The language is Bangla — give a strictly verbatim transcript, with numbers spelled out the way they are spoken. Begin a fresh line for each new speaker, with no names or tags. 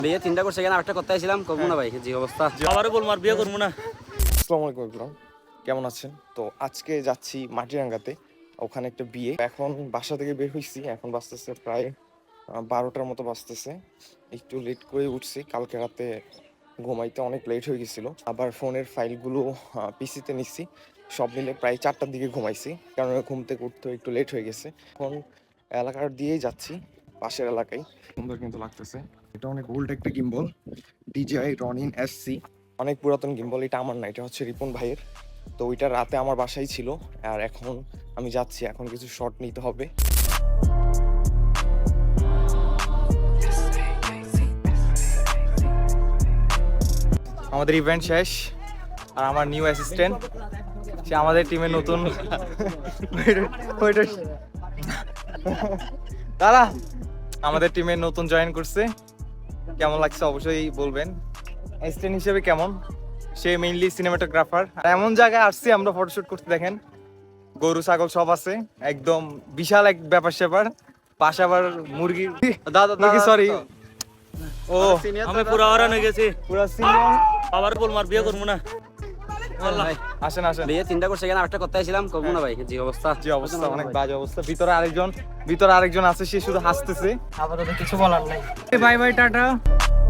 বিয়ে তিনটা করছে কেন একটা করতে আসছিলাম করবো না ভাই জি অবস্থা
আবারও বলবো আর বিয়ে করবো না।
আসসালামু আলাইকুম everyone, কেমন আছেন? তো আজকে যাচ্ছি মাটিরাঙ্গাতে, ওখানে একটা বিয়ে। এখন বাসা থেকে বের হইছি, এখন বাজতেছে প্রায় আহ, বারোটার মতো বাজতেছে। একটু লেট করে উঠছি, কালকে রাতে ঘুমাইতে অনেক লেট হয়ে গেছিল। আবার ফোনের ফাইলগুলো পিসিতে নিচ্ছি, সব মিলে প্রায় চারটার দিকে ঘুমাইছি, কারণ ঘুম থেকে উঠতে একটু লেট হয়ে গেছে। এখন এলাকার দিয়েই যাচ্ছি, পাশের এলাকায়। সুন্দর কিন্তু লাগতেছে, এটা অনেক ওল্ড একটা gimbal, DJI Ronin S C, অনেক পুরাতন গিম্বল। এটা আমার না, এটা হচ্ছে রিপন ভাইয়ের। তো ওইটা রাতে আমার বাসায় ছিল, আর এখন আমি যাচ্ছি, এখন কিছু শট নিতে হবে। আমাদের ইভেন্ট শেষ, আর আমার নিউ অ্যাসিস্ট্যান্ট, সে আমাদের টিমের নতুন। দাদা আমাদের টিমে নতুন জয়েন করছে, কেমন লাগছে অবশ্যই বলবেন। অ্যাসিস্ট্যান্ট হিসেবে কেমন, সে মেইনলি সিনেমাটোগ্রাফার। আর এমন জায়গায় আসছি আমরা ফটোশুট করতে, দেখেন গরু ছাগল সব আছে, একদম বিশাল এক ব্যাপার স্যাপার। পাশে আবার মুরগি, দাদা মুরগি সরি, ও
আমি পুরো আওয়ারান হয়ে গেছি।
পুরা সিনিয়র।
আবারও বলবো আর বিয়ে করবো না।
ভাই
আসেন আসেন।
বিয়ে তিনটা করছে কেন একটা করতে আসছিলাম করবো না ভাই জি অবস্থা
যে অবস্থা, অনেক বাজে অবস্থা। ভিতরে আরেকজন ভিতরে আরেকজন আছে, সে শুধু হাসতেছে।
আপাতত কিছু বলার নাই।
Bye bye, tata.